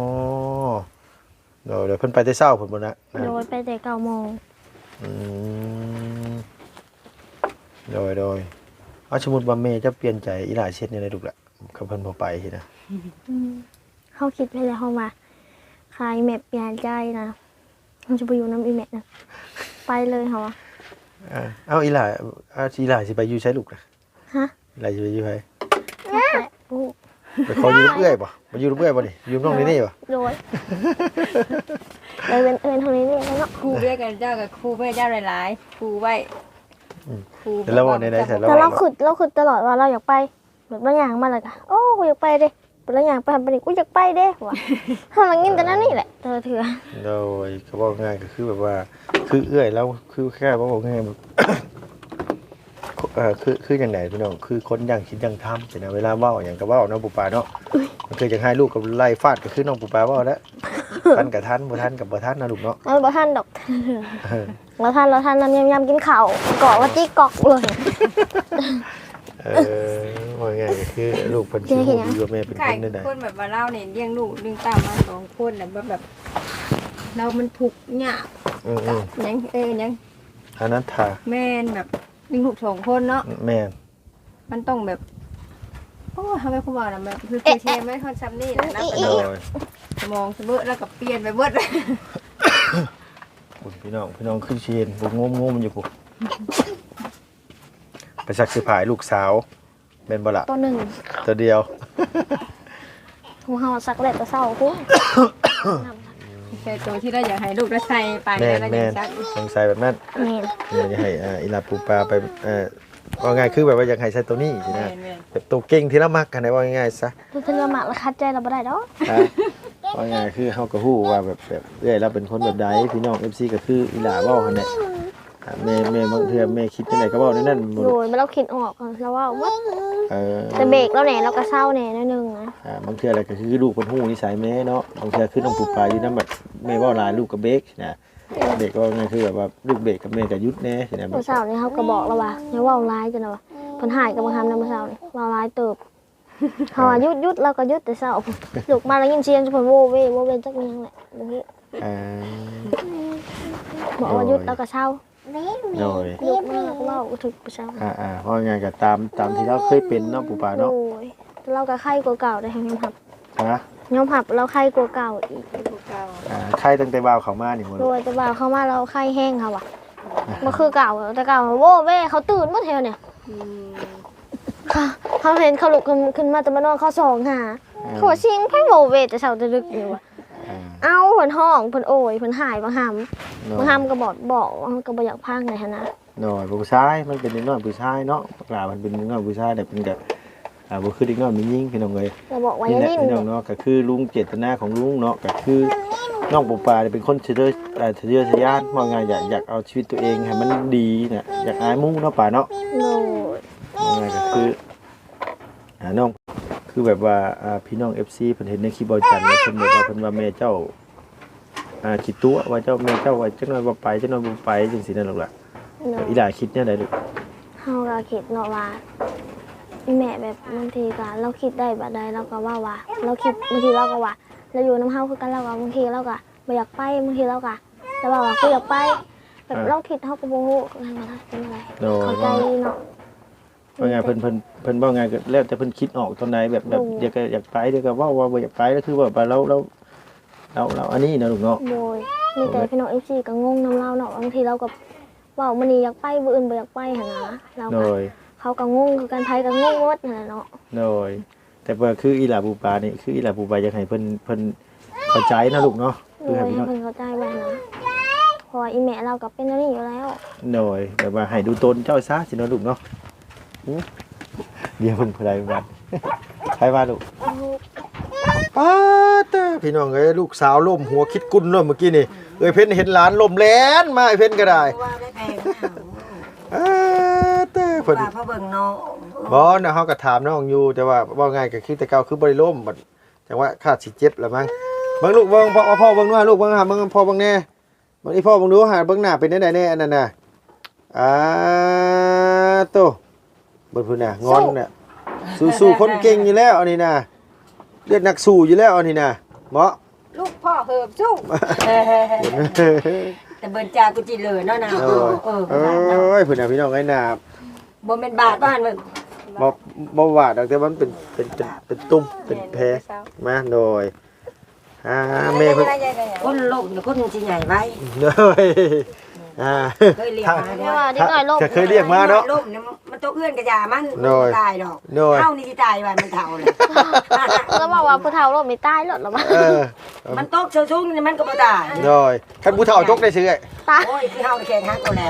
Speaker 2: โดยเดี๋ยวเพิ่นไปแต่เช้าเพิ่นบ่นะนะ
Speaker 1: โดยไปแต่เก้าโมง
Speaker 2: อืมโดยโดยเอาสมมุติว่าแม่จะเปลี่ยนใจอีหลาเช็ดนี่ได้ลูกล่ะเขาเพิ่นบ่ไปสินะ
Speaker 1: อืมเขาคิดไปแล้วเขามาขายแมปเปลี่ยนใจนะมันจะไปอยู่น้ำอีแมปนะไปเลยเขาอะ
Speaker 2: อ่าเอาอีหลาเอาอีหลาสิไปอยู่ใช้ลูกล่ะ
Speaker 1: ฮะ
Speaker 2: อีหลาสิไปอยู่ไผ
Speaker 1: แปะปุ๊
Speaker 2: ไปขออยู่กับเอื้อยบ่มาอยู่กับเอื้อยบ่นี่อยู่กับน้องนี่นี่บ่
Speaker 1: โดยเลยเป็นเอินเท่านี้นี่แล้วเนาะ
Speaker 3: ครูด้วยกันเจ้ากับครูเพื่อเจ้าหลายๆครูไว้ครู
Speaker 2: แล้วว่าในๆเสร็จแล้ว
Speaker 1: แต่เราขุดเราขุดตลอดว่าเราอยากไปแบบบางอย่างมาเลยค่ะโอ้กูอยากไปเด้เป็นบางอย่างไปทำไปดิกูอยากไปเด้ว่ะทำอะไรกินแต่นั่นนี่แหละเธอเถื่อ
Speaker 2: โดยก็บอกง่ายก็คือแบบว่า คือเอื้อยแล้วคือแค่ว่าบอกง่ายแบบ เออคือคืออย่างไหนพี่น้องคือคนอย่างคิดอย่างทำแต่นะเวลาเว้าอย่างกับเว้าน้องปูปลาเนาะมันเคยจะให้ลูกกับไล่ฟาดก็คือน้องปูปลาเว้าแล้วทันกับทันบ่ทันกับบ่ทันนะลูกเนาะ
Speaker 1: เราบ่ท่านดอก
Speaker 2: เออ
Speaker 1: เราท่านเราท่านน้ำยำยำกินข้าวเกาะว่าจี้กอกเลย
Speaker 2: เออว่าง่ายก็คือลูกเพิ่นสิฮู้ดีว่าแม่เป็น
Speaker 3: ไก่
Speaker 2: คนได้ใด
Speaker 3: คนแบบว่าเราเนี่ยเลี้ยงลูกเลี้ยงตามมาสองคนน่ะแบบแบบเรามันถูกข์ยาก
Speaker 2: อืม
Speaker 3: ยังเอ้ยยัง
Speaker 2: ๆอันนั้นท่า
Speaker 3: แม่นแบบเลี้ยงลูกสองคนเนาะ
Speaker 2: แม่น
Speaker 3: มันต้องแบบโอ้ทำไมคุณบอกนะแบบคือคือเชฟไม่ค่อนซ้ำนี่แหละนะ
Speaker 2: โดย
Speaker 3: สมองสมบูรแล้วก็เปลี่ยนไปเบิดเลย
Speaker 2: คุณพี่น้องพี่น้องขึ้นเชียนบ่งมๆอยู่ปุ๊ไปสักสิผายลูกสาวแม่นบ่ล่ะ
Speaker 1: ตัวหนึ่ง
Speaker 2: ตัวเดียว
Speaker 1: หูเห่าสักเล็ดตัวเศร้ากู
Speaker 3: แต่ตัวที่เราอยากให้ลูกได้ใส่ไป
Speaker 2: แม่น
Speaker 3: แล้ว
Speaker 2: แม่
Speaker 3: ยัง
Speaker 2: น
Speaker 3: ซัก
Speaker 2: สงสัยแบบนั้น
Speaker 1: นี่
Speaker 2: อยากจะให้อ่าอีลาปูปลาไปเอ่อว่าง่ายคือแบบว่าอยากให้ใช้ตัวนี้สิ
Speaker 3: แม่
Speaker 2: นะ
Speaker 3: นแม่น
Speaker 2: แบบตัวเก่งที่เรามักกันได้ว่าง่ายๆซะ
Speaker 1: ตัวเธอละหมากละคัดใจเราบ่ได้ดอก
Speaker 2: อ่ะว่าง่ายคือเฮาก็ฮู้ว่าแบบแบบเอ้ยเราเป็นคนแบบใดพี่น้อง เอฟ ซี ก็คืออีหลาเว้าหั่นแหละอ่าแม่แม่บางเทื่อแม่คิดจังไดก็เว้าในนั้นบ่
Speaker 1: โดยมันเราคิดออกแล้วว่าวัด
Speaker 2: เออ
Speaker 1: แต่เบรกแล้วแหน่เราก็เศร้าแหน่นิดนึงนะ
Speaker 2: อ่าบางเทื่ออะไรก็คือลูกเพิ่นฮู้นิสัยแม่เนาะบางเทื่อคือน้องปูปลาอยู่นำแบบแม่เว้าหลายลูกก็เบรกนะเบรกก็ว่าง่ายคือแบบว่าลูกเบรกกับแม่ก็หยุดแน่สินะแบ
Speaker 1: เมื่
Speaker 2: บ
Speaker 1: อเช้านี่เขาก็บอกแล้วว่าอย่าเว่าร้ายจังนะว่าเพิ่นหายกับมาทำในเมื่อเช้านี่เว่าร้ายเติบเขาว่าหยุดหยุดเราก็หยุดแต่เช้าลูกมาแล้วยินเสียงเพิ่นโวเวโวเวจักเมียงแหละตรงนี้
Speaker 2: อ่า
Speaker 1: บอกว่าหยุดเราก็เช้า
Speaker 2: โดย
Speaker 1: ลูกมาก็เว้าก็ถึกไปเช้า
Speaker 2: อ่าอ่าเพราะง่ายก็ตามตามที่เราเคยเป็นเนาะปูปลา
Speaker 1: โอ้
Speaker 2: เนาะ
Speaker 1: ยแต่เราก็ไข้กว่าเก่าได้ทั้งยอมหับ
Speaker 2: ฮะ
Speaker 1: ยอมหับเราไข้กว่าเก่าอีก
Speaker 3: ลูกเก่า
Speaker 2: อ่าใครตั้งแต่บ่าวเขามานี่หมด
Speaker 1: โดยแต่ว่าเขามาเราไข้แห้งค่ะว่ะมันคือเก่าแต่เก่าโวเวเขาตื่นหมดแถวเนี่ย
Speaker 3: อืม
Speaker 1: ค่ะเขาเห็นเขาลุกขึ้นขึ้นมาแต่มานอนเขาสองหาเขาว่าชิงไพ่โวเวแต่เช้าจะดึกอยู่ว่ะ
Speaker 2: อ่า
Speaker 1: เอ้าเพิ่นห้องเพิ่นโอยเพิ่นหายบางหำ
Speaker 2: โน่
Speaker 1: บางหำก็บอกบอกว่ามันก็บ่อยากพังเลยหั่นนะ
Speaker 2: โน่ผู้ชายมันเป็นเด็กน้อยผู้ชายเนาะปลามันเป็นเด็กน้อยผู้ชายแต่เป็นแบบอ่าบ่คือเด็กน้อยมียิ่งพี่น้องเอ้ย
Speaker 1: เราบอกว่า
Speaker 2: นี่
Speaker 1: อย่า
Speaker 2: แหละ
Speaker 1: ลิ้น
Speaker 2: พี่น้องเนาะก็คือลุงเจตนาของลุงเนาะก็คือน้องปูปลาเนี่ยเป็นคนเฉยๆเอ่อเฉยๆทะยานว่าไงอยากอยากเอาชีวิตตัวเองให้มันดีน่ะอยากอายหมู่เนาะป่าเนาะ
Speaker 1: โน่
Speaker 2: ว่าไงก็คืออ่าน้องคือแบบว่าอ่าพี่น้อง เอฟ ซี เพิ่นเห็นในคลิปบ่จันทร์แล้วเพิ่นบอกว่าเพิ่นว่าแม่เจ้าอ่าคิดตัวว่าเจ้าแม่เจ้าว่าจักหน่อยบ่ไปจักหน่อยบ่ไปจังซี่นั่นหรอกล่ะ
Speaker 1: โน่
Speaker 2: อีหลาคิดแนวใดลูก
Speaker 1: เฮาก็คิดเนาะว่าแม่แบบบางทีก็เราคิดได้บัดใดเราก็ว่าว่าเราคิดบางทีเราก็ว่าเราอยู่น้ำเฮาคือกันเราก็บางทีเราก็บ่อยากไปบางทีเราก็แต่ว่าว่ากูอยากไปแบบเราคิดเฮาก็บ่ฮู้ว่าเป็นอะไร
Speaker 2: โดย
Speaker 1: เข้าใจ
Speaker 2: ว่า
Speaker 1: เนาะ
Speaker 2: ว่าไงเพิ่นเพิ่นเพิ่นว่าไงก็แล้วแต่เพิ่นคิดออกตอนไหนแบบแบบ
Speaker 1: โอ้
Speaker 2: อยากจะอยากไปเดี๋ยวก็เว่าว่าบ่อยากไปแล้วคือว่าเราเราเราเราอันนี้นะลูกเนาะ
Speaker 1: โดยมีแต่พี่น้อง เอฟ ซี ก็งงนำเราเนาะบางทีเราก็เว้ามื้อนี้อยากไปมื้ออื่นบ่อยากไปหั่นนะเรา
Speaker 2: โด
Speaker 1: ก็
Speaker 2: ย
Speaker 1: เขาก็งงคือกันไผก็งงหมดนั่นแหละเนาะ
Speaker 2: โดยแต่ว่าคืออีหลาปูปลานี่คืออีหลาปูปลาอยากให้เพิ่นเพิ่นเข้าใจนะลูกเนาะ
Speaker 1: โด
Speaker 2: คือย ให้พี่
Speaker 1: ให้
Speaker 2: น้อง
Speaker 1: เพิ่นเข้าใจไว้นะเพออีแม่เราก็เป็นอันนี้อยู่แล้ว
Speaker 2: โดยแบบว่าให้ดูตนเจ้าซะสิเนาะลูกเนาะหือเดี๋ยวเพิ่นผู้ใดบัดใครว่าลูกป้าเต้อพี่น้องเอ้ยลูกสาวล้มหัวคิดกุนเลยเมื่อกี้นี่เอ้ยเพิ่นเห็นหลานล้มแล่นมาไอ้เพิ่นก็ได้
Speaker 4: ว่าได้แพง
Speaker 2: อ่าเต้อเพิ่น
Speaker 4: ว่าพ่อเบิ่งน้อง
Speaker 2: บ่นะเฮาก็ถามน้องอยู่แต่ว่าว่าง่ายก็คือแต่เก่าคือบ่ได้ล้มบัดจังว่าคาดสิเจ็บแล้วมั้งเบิ่งลูกเบิ่งพ่อพ่อเบิ่งด้วยลูกเบิ่งหาเบิ่งพ่อเบิ่งแน่เบิ่งอีพ่อเบิ่งดูหาเบิ่งหน้าเป็นจังไดแน่อันนั้นน่ะอ่าโตเบิ่งพุ่นน่ะงอนน่ะสู้ๆคนเก่งอยู่แล้วอันนี้น่ะเลือดนักสู้อยู่แล้วอันนี้น่ะบ่
Speaker 4: ลูกพ่อเหิบสู้แต่เบิ่นจากุจิเลยเนาะนะ
Speaker 2: โด
Speaker 4: เออย เออ
Speaker 2: เอ้ยเพิ่นน่ะพี่น้องไอ้น่ะ
Speaker 4: บ่แม่นบาทบ้านมึง
Speaker 2: บ่บ่ว่าดอกแต่มันเป็นเป็นเป็นเป็นตุ่มเป็นแผลมาโดยอ่าแม่เพิ่น
Speaker 4: คนโลกเนี่ยคนสิใหญ่ไว้
Speaker 2: โดยอ่า
Speaker 4: เคยเรียกมา
Speaker 1: เรี
Speaker 4: เด้
Speaker 1: ยก
Speaker 4: อ
Speaker 1: ว่าเด็กน้อยโลก
Speaker 2: เคยเรียกมาเนาะ
Speaker 4: โลกเนี่ยมันตัวเอื้อนกระยามัน
Speaker 2: โดย
Speaker 4: ตายดอก
Speaker 2: โดย
Speaker 4: เฮานี่สิตายว่ามันเฒ่าเลย
Speaker 1: ก็บอกว่าผู้เฒ่าโลกไม่ตายหรอกหรอวะ
Speaker 2: เออ
Speaker 4: มันตกเชิงสูงนี่มันก็บ่ตาย
Speaker 2: โดยคันผู้เฒ่าจกได้ซื้อไอ้
Speaker 1: ตาย
Speaker 4: โอ้ยคือเฮาแข่งฮักเอาแล้ว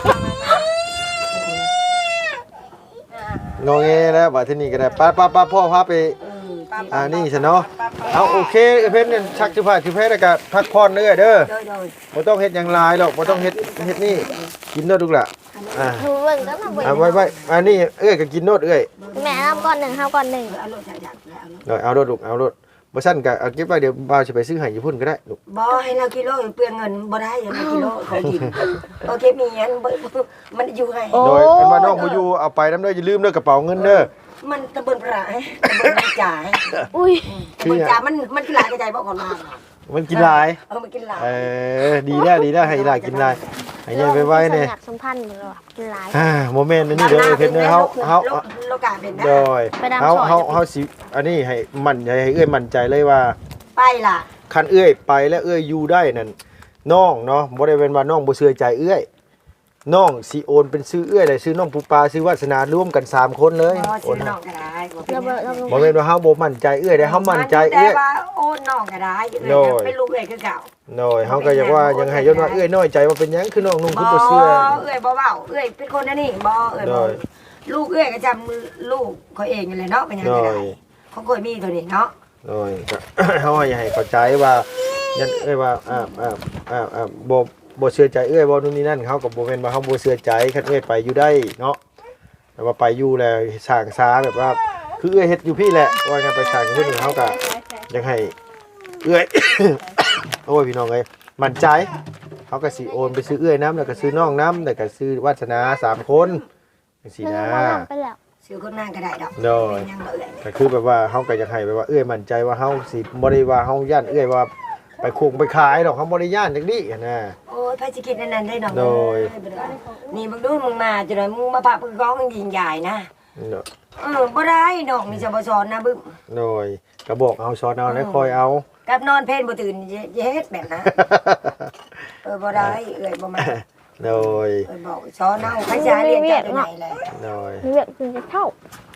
Speaker 2: งอแงแล้วบัดทีนี้ก็ได้ป้าป้าป้าพ่อพาไปอ่านี่ซะเนาะเอาโอเคเพิ่นเนี่ยชักสิพาสิแพ้แล้วก็พักผ่อนเด้อเด้อ
Speaker 4: โดยโดย
Speaker 2: บ่ต้องเฮ็ดหยังหลายหรอกบ่ต้องเฮ็ดเฮ็ดนี่กินเด้อลูกล่ะอ่า
Speaker 1: ดูเบิ่งก็มาเบิ่ง
Speaker 2: เอาไว้ไว้อันนี้เอ้ยก็กินโนดเอ้ย
Speaker 1: แม่น้ำก้อนหนึ่งข้าวก้อนหนึ่ง
Speaker 4: เอารถจักรแล้วเอารถ
Speaker 2: เอาเอาโดดลูกเอาโดดบ่ซั่นก็เอาเก็บไว้เดี๋ยวบ่าวสิไปซื้อให้ญี่ปุ่นก็ได้ลูก
Speaker 4: บ่ให้เรากิโลเปลืองเงินบ่ได้อย่ามากิโลของกินโอเคมีอันบ่มันอยู่ให้
Speaker 2: โดยเป็นว่าน้องบ่อยู่เอาไปนำเด้ออย่าลืมเด้อกระเป๋าเงินเด้อ
Speaker 4: มันตะเบินพระให้ตะเบินมันจ่าย
Speaker 1: อุ้ย
Speaker 4: ตะเบินจ่ายมันมันกินหลายกระจายบ่ก่อนมา
Speaker 2: มันกินหลาย
Speaker 4: เออมันกินหลาย
Speaker 2: เออดีแล้วดีแล้วให้หลายกินหลายให้ใหญ่ไว้ๆเนี่ย
Speaker 1: สมัครสัมพันธ์เหมือนว่ากินหลาย
Speaker 2: อ่าโมเมนต์นี้เด้อเพิ่นเด้อเฮาเฮา
Speaker 4: โลกาเป็นนะ
Speaker 2: โดย
Speaker 1: ไปดำ
Speaker 2: เฮา
Speaker 1: ซอย
Speaker 2: เฮาเฮาสิอันนี้ให้มั่นใจให้เอ้ยมั่นใจเลยว่า
Speaker 4: ไปล่ะ
Speaker 2: คันเอ้ยไปแล้วเอ้ยอยู่ได้นั่นน้องเนาะบ่ได้เป็นว่าน้องบ่เชื่อใจเอ้ยน้องสิโอนเป็นชื่อเอ้ยได้ชื่อน้องปูปลาชื่อวาสนารวมกันสามคนเลย
Speaker 4: บ่
Speaker 2: โอ
Speaker 4: ซื้
Speaker 2: น
Speaker 4: อน้องก็ได้บ่เป็
Speaker 1: เรา
Speaker 4: น
Speaker 1: เบิ่งเรา
Speaker 2: บ่แม่นว่าเฮาบ่มั่นใจเอ้ยได้เฮามั่นใจ
Speaker 4: แต่
Speaker 2: เอ้ย
Speaker 4: ว่าโอนน้องก็ได้
Speaker 2: โดย
Speaker 4: เป็นลูกเอ้ยคือเก่า
Speaker 2: น้อยเฮาก็อยากว่ายังให้ยศว่าเอ้ยน้อยใจว่าเป็นหยังคือน้องนุ่ง
Speaker 4: บ่
Speaker 2: คือบ่เชื่อ
Speaker 4: เอ้ยบ่เว้าเอ้ยเป็นคนอันนี้บ่เอ้ย
Speaker 2: โด
Speaker 4: บ่
Speaker 2: ย
Speaker 4: ลูกเอ้ยก็จำลูกเขาเองนั่นแหละเนาะเป็นหยังก็ได้
Speaker 2: โดย
Speaker 4: เขาเคยมีตัวนี้เนาะ
Speaker 2: น้อยก็ เฮาให้ให้เข้าใจว่ายันเอ้ยว่าอ่าอ่าอ่าอ่าบ่บ่เชื่อใจเอ้ยบ่นู่นนี่นั่นเขาก็บ่แม่นว่าเฮาบ่เชื่อใจคันเอ้ยไปอยู่ได้เนาะแต่ว่าไปอยู่แล้วสร้างสาแบบว่า คือเอ้ยเฮ็ดอยู่พี่แหละว่ากันไปสร้างอยู่นี่เฮาก็อยากให้เอ้ย โอ้ยพี่น้องเอ้ยมั่นใจเขาก็สิโอนไปซื้อเอ้ยน้ำแล้วก็ซื้อน้องน้ำแล้วก็ซื้อวาสนาสามคนจังซี่
Speaker 1: เบิ่ง
Speaker 2: นะ
Speaker 1: มาลำไปแล้ว
Speaker 4: ซื้อคนนั่งก็ได้ดอก
Speaker 2: โดย
Speaker 4: เป็นหยังบ่เอ้ย
Speaker 2: ก็คือแบบว่าเฮาก็อยากให้แบบว่าเอ้ยมั่นใจว่าเฮาสิบ่ได้ว่าเฮาย่านเอ้ยว่าไปคงไปขายดอกเฮาบ่ได้ย่านจังนี้นะ
Speaker 4: โอ้ยไผสิคิดอันนั้นได้ดอก
Speaker 2: โดย
Speaker 4: นี่มึงดูมึงมาจนมึงมาพามึงร้องยิงใหญ่นะ
Speaker 2: เนาะ
Speaker 4: เออบ่ได้ดอกนี่จะบ่สอนนะบึ้ม
Speaker 2: โดยก็บอกเอาสอนเอาแล้วคอยเอา
Speaker 4: กับนอนเพลนบ่ตื่นอย่าเฮ็ดแบบนั้นเออบ่ได้เอ้ยบ่มา
Speaker 2: โดย
Speaker 4: เอ้ยบอกสอนเอาใครจะเรียนจากไหนแหละ
Speaker 2: โดย
Speaker 1: มีเวียกกินจะเท่า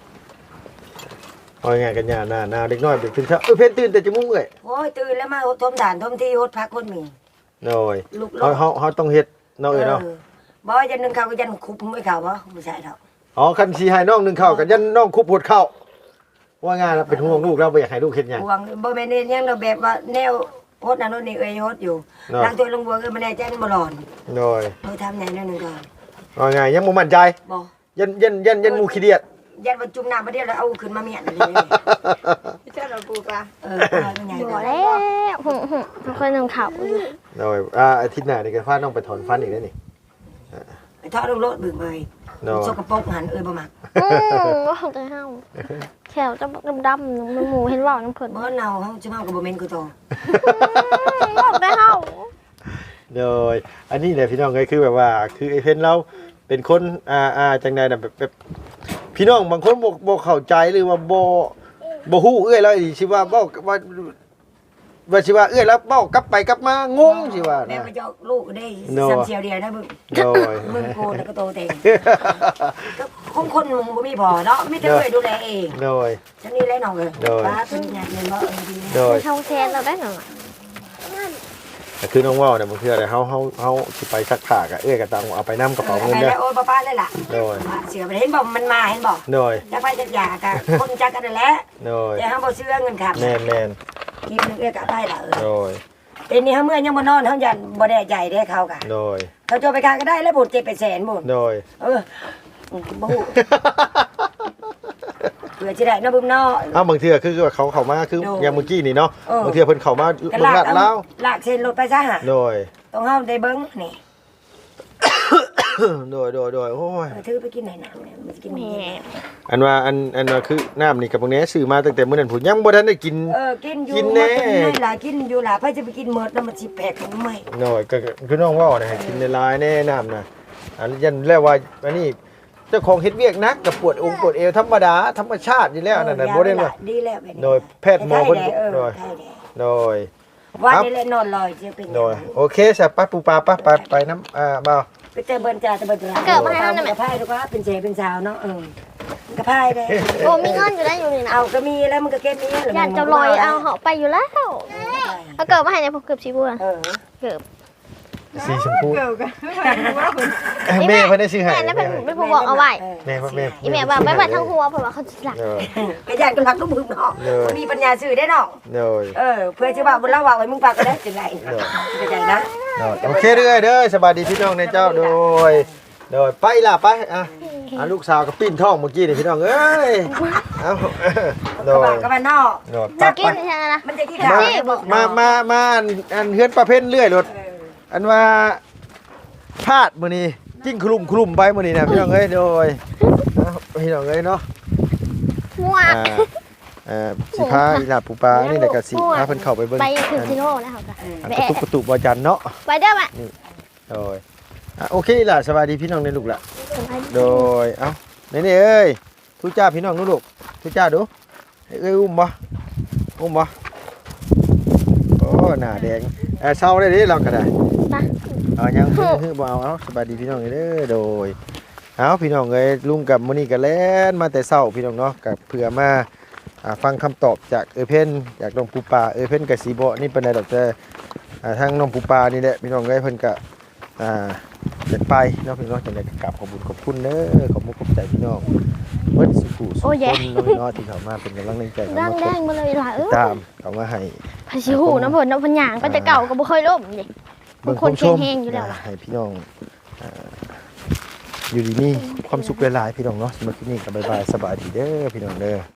Speaker 2: เอาไงกันหน้าหน้าหน้าเด็กน้อยเด็กตื่นเช้าเอ้ยเพิ่นตื่นแต่จมูกเอ้ย
Speaker 4: โอ้ยตื่นแล้วมาทมฐานทมที่ฮดพักคนมี
Speaker 2: โดย
Speaker 4: ลูก
Speaker 2: เฮาเฮาเฮาต้องเฮ็ดเนาะเอ้ยเนาะ
Speaker 4: บ่ยันนึงเขาก็ยันคุบไม่เขาบ่บ่ใช่ดอก
Speaker 2: อ๋อคันสิให้น้องหนึงเข้ากันยันน้องคุบหดเข้าว่าง่ายแล้วเป็นห่วงลูกเราบ่อยากให้ลูกเฮ็ดหยัง
Speaker 4: ห่วงบ่แม่นยังเราแบบว่าแนวฮดนั่นนี่เอ้ยฮดอยู่ล้างตัวลงบัวเอ้ยมันแน่ใจมันบ่ร้อน
Speaker 2: โดย
Speaker 4: เออทำไหนนั่นนึงก่อน
Speaker 2: ว่าง่ายยังบ่มั่นใจ
Speaker 4: บ่
Speaker 2: ยันยันยันยันหมู่ขี้เดียด
Speaker 4: ยันว่าจุ่มน้ำบ่เดียวแล้วเอาขึ้นมาเมียนเลย
Speaker 3: เจ้าเราปูปลา
Speaker 4: เออมันใหญ่
Speaker 1: บ่แล้วหึ่มหึ่มมันเคยนึ่งข้าวอยู่
Speaker 2: โดยอ่าอาทิตย์หน้านี่ก็พาน้องไปถอนฟันอีกแล้วนี่
Speaker 4: ไปทอดลงรถบึ้งเลย
Speaker 2: โดย
Speaker 4: สกปรกหันเอ้ยบ่มัก
Speaker 1: อืมว่าของตัวเฮาแขวจะดำๆมันหมูเห็นว่าน้ำเพิ่น
Speaker 4: บ่เนาเฮาจะเฮาก็บ่แม่นกูโต
Speaker 1: บอกได้เฮา
Speaker 2: โดยอันนี้แหละพี่น้องก็คือแบบว่า คือไอ้เพิ่นเราเป็นคนอ่าอ่าจังใดน่ะแบบแบบพี่น้องบางคนบ่บ่เข้าใจหรือว่าบ่บ่ฮู้เอ้ยแล้วสิว่าเว้าว่าว่าสิว่าเอ้ยแล้วเว้ากลับไปกลับมางงสิว่า
Speaker 4: แม่
Speaker 2: นะ
Speaker 4: มาเจาะลูกได้
Speaker 2: โน่
Speaker 4: ซ้ำเสียวเดียวนะมึง
Speaker 2: โดย
Speaker 4: มึงโกนแล้วก็โตเต็งก็คงคนมึงบ่มีพอเนาะไม่ได้ช่วยดูแลเอง
Speaker 2: โดย
Speaker 4: จังนี้แหละน้องเอ้ย
Speaker 2: โดย
Speaker 4: ป้าเป็นหยังเงินบ่เออดี
Speaker 2: โดย
Speaker 1: เฮาแทนเราได้หน่อย
Speaker 2: แต่คือน้องเว้าเนี่ยมันคืออะไรเฮาเฮาเฮาสิไปซักผ้าก็เอ้ยก็ต้องเอาไปนำกระเป๋าเงิน
Speaker 4: ไป
Speaker 2: เด้อ
Speaker 4: แล้วโอ้ยป้าๆเลยล่ะ
Speaker 2: โดย
Speaker 4: เสือไปเห็นบ่มันมาเห็นบ่
Speaker 2: โดย
Speaker 4: จักไปจักอยากะคนจักกันนั่นแหละ
Speaker 2: โดย
Speaker 4: แต่เฮาบ่เชื่อเงินครับ
Speaker 2: แม่นแม่น
Speaker 4: กินนึงเอ้ยก็ได้ล่ะเอ
Speaker 2: โด
Speaker 4: อย แต่นี่เฮาเมื่อยังบ่นอนเฮายันบ่ได้ใจได้เขากะ
Speaker 2: โดย
Speaker 4: เขาโจไปกาก็ได้แล้วบุญเจ็ดเป็นแสนบุญ
Speaker 2: โดย
Speaker 4: เออบ่ฮู้เพื่อสิได้เนาะบึ้มเนาะ
Speaker 2: เอาบางเทื่อคือว่าเขาเข้ามาคือ
Speaker 4: โดย
Speaker 2: อย่างเมื่อกี้นี่เนาะ
Speaker 4: เออ
Speaker 2: บางเทื่อเพิ่นเข้ามา
Speaker 4: ก็
Speaker 2: เบิ่งลาด
Speaker 4: เอา
Speaker 2: แล้ว
Speaker 4: ลากเส้นรถไปซะหะ
Speaker 2: โดย
Speaker 4: ต้องเฮาได้เบิ่งนี่
Speaker 2: โดยโดยโดยโอ้ย
Speaker 4: เออถือไปกินไหนน้ำเนี่ยมันจะกิน
Speaker 1: แม่
Speaker 2: อันว่าอันอันว่าคือน้ำนี่กับพวกนี้ซื้อมาตั้งแต่มื้อนั้นผมยังบ่ทันได้กิน
Speaker 4: เออกินอยู่
Speaker 2: กินแน่
Speaker 4: มันเป็นไงล่ะกินอยู่ล่ะเพื่อจะไปกินหมดแล้วมันสิแปลกทำไม
Speaker 2: หน่อยก็ก็คือน้องเว่านะให้กินในลายแน่น้ำนะอันยันแล้วว่าอันนี้เจ้าของเฮ็ดเวียกนักกับปวดองค์ปวดเอวธรรมดาธรรมชาติอยู่แล้วนั่นน่ะบ่ได้ว่า
Speaker 4: ดีแล้วแบบนี้
Speaker 2: โดยแพทย์หมอเพิ่น
Speaker 4: เออ
Speaker 2: โดย
Speaker 4: ใช่แหละ
Speaker 2: โดย
Speaker 4: ว่า
Speaker 2: ครับ
Speaker 4: ได้เลยนอนลอยจะเป็น
Speaker 2: โดยโอเคสะไปปูปลาไปไปไปน้ำอ่าบ่าว
Speaker 4: ไปเจอเบิร์นจ่าแต่เบิร์นจ่า
Speaker 1: เกิดมาให้น้ำหน่อยไหม
Speaker 4: กระพายดูว่าเป็นเจเป็นสาวเนาะเออกระพายได้
Speaker 1: โอ้มีเงินอยู่ได้อยู่นี่นะ
Speaker 4: เอาก็มีแล้วมันก็เก็บนี้
Speaker 1: ญาติเจ้าลอยเอาเหาะไปอยู่แล้วเอาเกิดมาให้เนี่ยผมเกือบชีบัว
Speaker 4: เออ
Speaker 1: เกือบ
Speaker 2: สีชมพู
Speaker 3: เกิดกัน
Speaker 2: แม่เพิ่นได้ซื้อให้
Speaker 1: แม่นั่นเป็นเป็นผู้บอกเอาไว้
Speaker 2: แม่แม่
Speaker 1: อีแม่ว่าไม่ว่าทั้งหัวเพราะว่าเขาจะหลัก
Speaker 2: โดย
Speaker 4: กระยานก็รักลูกมึงเนาะมีปัญญาซื้อได้เนาะ
Speaker 2: โดย
Speaker 4: เออเพื่อจะว่าบนเล่าว่าไว้มึงฝากก็ได้จังไงเข้าใจนะ
Speaker 2: โดยโอเคเด้อเด้อสบายดีพี่น้องในเจ้าโดยโดยไปล่ะไปอ่ะอ่ะลูกสาวก็ปิ้นท้องเมื่อกี้นี่พี่น้องเอ้ยเอ้าโด
Speaker 4: กระบะ
Speaker 2: ย
Speaker 4: กระบะนอก
Speaker 2: โดยไป
Speaker 1: จะ
Speaker 2: ไป
Speaker 1: กินใช่ไหมนะ
Speaker 4: มันจะที่
Speaker 2: มา
Speaker 4: ขา
Speaker 2: มามามาอันอันเฮือนประเภทเรื่อยรถอันว่าพลาดมื้อนี้กิ้งคลุมคลุมไปมื้อนี้นะพี่น้องเอ้ยโดยเอ้าพี่น้องเอ้ยเนาะ
Speaker 1: มั่ว
Speaker 2: อ่าเอ่อสิพาอีหลาปูปลานี่แหละก็สิพาเพิ่นเข้าไปเบิ่ง
Speaker 1: ไปถึงซิโน่นะครับ
Speaker 2: อัน
Speaker 1: ไป
Speaker 2: กระตุกกระตุกบ่จันเนาะ
Speaker 1: ไปเด้อแม่
Speaker 2: โดยอ่ะโอเคล่ะสวัสดีพี่น้องในลูกละโดยเอ้านี่นี่เอ้ยทุจ้าพี่น้องนูลูกทุจ้าดูเอ้ยอุ้มบ่อุ้มบ่โอ้หน้าแดงเออเศร้าได้ดิเราก็ได้
Speaker 1: ไป
Speaker 2: เอายังฮือฮือบ่เอาเอาสบายดีพี่น้องเด้อโดยเอาพี่น้องเอ้ยลุงกับมื้อนี้ก็แล่นมาแต่เช้าพี่น้องเนาะกับเพื่อมาอ่าฟังคำตอบจากเออเพ่นจากน้องปูปลาเออเพ่นกับสีบ่นี่ปานใดดอกแต่อ่าทางน้องปูปลานี่แหละพี่น้องเอ้ยเพิ่นก็อ่าอยากไปเนาะพี่น้องจังได๋ก็กราบขอบคุญขอบคุณเด้อขอบคุณขอบใจพี่น้องเบิดสุขุสุขคนเนาะพี่น้องที่เข้ามาเป็นกำลังใจเข้า
Speaker 1: ดั
Speaker 2: มาง ก
Speaker 1: แด
Speaker 2: ด
Speaker 1: งมาเลยล่ะเออ
Speaker 2: ตามเข้ามาให้
Speaker 1: พาชิหูน้ำผลน้ำผลหยางก็จะเก่าก็บ่เคยล่มดิ
Speaker 2: เบิ่ง
Speaker 1: ค
Speaker 2: คน น
Speaker 1: เคี
Speaker 2: ช
Speaker 1: ยง
Speaker 2: ม
Speaker 1: แห้งอยู่แล้ว
Speaker 2: อ่าให้พี่น้องอ่าอยู่ดีมีความสุขหลายๆพี่น้องเนาะสำหรับที่นี่ก็บ๊ายบายสบายดีเด้อพี่น้องเด้อ